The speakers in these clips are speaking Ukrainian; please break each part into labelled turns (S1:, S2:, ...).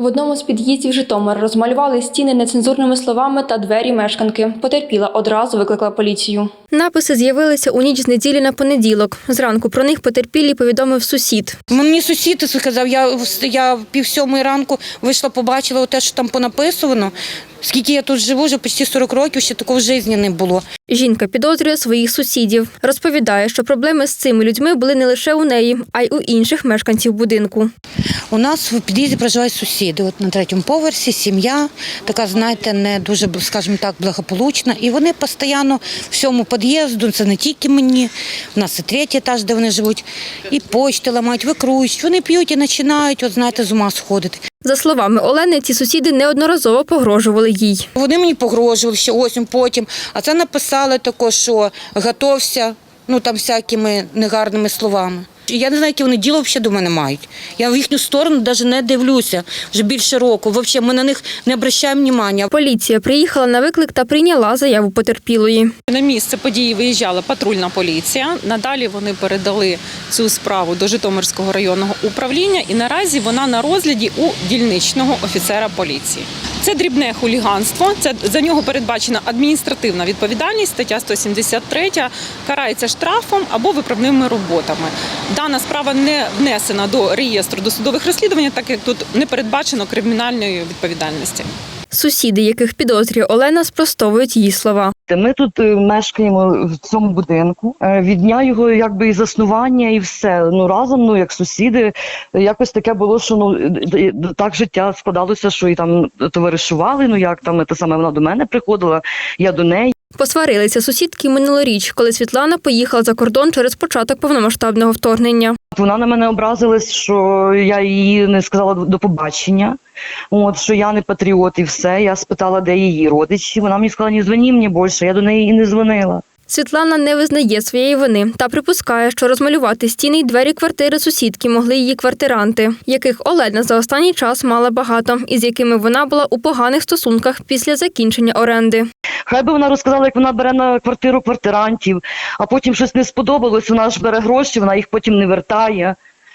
S1: В одному з під'їздів Житомира розмалювали стіни нецензурними словами та двері мешканки. Потерпіла одразу викликала поліцію. Написи з'явилися у ніч з неділі на понеділок. Зранку про них потерпілій повідомив сусід.
S2: Мені сусід сказав, я 6:30 ранку вийшла, побачила те, що там понаписано. Скільки я тут живу, вже почти 40 років, ще такого в житті не було.
S1: Жінка підозрює своїх сусідів. Розповідає, що проблеми з цими людьми були не лише у неї, а й у інших мешканців будинку.
S2: У нас в під'їзді проживають сусіди. От на 3-му поверсі сім'я, така, знаєте, не дуже, скажімо так, благополучна. І вони постійно всьому під'їзду, це не тільки мені, у нас і 3-й етаж, де вони живуть, і почти ламають, викрують. Вони п'ють і починають, от знаєте, з ума сходити.
S1: За словами Олени, ці сусіди неодноразово погрожували їй.
S2: Вони мені погрожували ще осінь потім, а це написали також, що готовся, там всякими негарними словами. Я не знаю, які вони діло взагалі до мене мають. Я в їхню сторону навіть не дивлюся вже більше року. Взагалі ми на них не звертаємо уваги.
S1: Поліція приїхала на виклик та прийняла заяву потерпілої.
S3: На місце події виїжджала патрульна поліція. Надалі вони передали цю справу до Житомирського районного управління і наразі вона на розгляді у дільничного офіцера поліції. Це дрібне хуліганство, за нього передбачена адміністративна відповідальність, стаття 173, карається штрафом або виправними роботами. Дана справа не внесена до реєстру досудових розслідувань, так як тут не передбачено кримінальної відповідальності.
S1: Сусіди, яких підозрює Олена, спростовують її слова.
S4: Ми тут мешкаємо в цьому будинку. Від дня його якби і заснування, і все. Разом, як сусіди, якось таке було, що так життя складалося, що і там товаришували, вона до мене приходила, я до неї.
S1: Посварилися сусідки минулоріч, коли Світлана поїхала за кордон через початок повномасштабного вторгнення.
S4: Вона на мене образилась, що я їй не сказала до побачення, що я не патріот і все. Я спитала, де її родичі. Вона мені сказала, не дзвони мені більше, я до неї і не дзвонила.
S1: Світлана не визнає своєї вини та припускає, що розмалювати стіни й двері квартири сусідки могли її квартиранти, яких Олена за останній час мала багато, і з якими вона була у поганих стосунках після закінчення оренди.
S4: Хай би вона розказала, як вона бере на квартиру квартирантів, а потім щось не сподобалось, вона ж бере гроші, вона їх потім не вертає.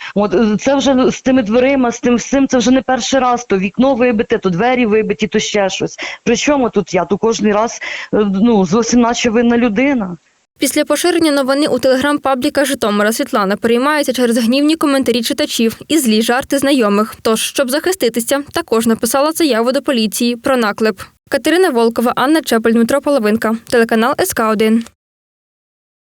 S4: Це вже з тими дверима, з тим всім, це вже не перший раз, то вікно вибите, то двері вибиті, то ще щось. Причому тут я? То кожен раз, зовсім наче винна людина.
S1: Після поширення новини у телеграм-пабліка Житомира Світлана переймається через гнівні коментарі читачів і злі жарти знайомих. Тож, щоб захиститися, також написала заяву до поліції про наклеп. Катерина Волкова, Анна Чепель, Дмитро Половинка. Телеканал СК1.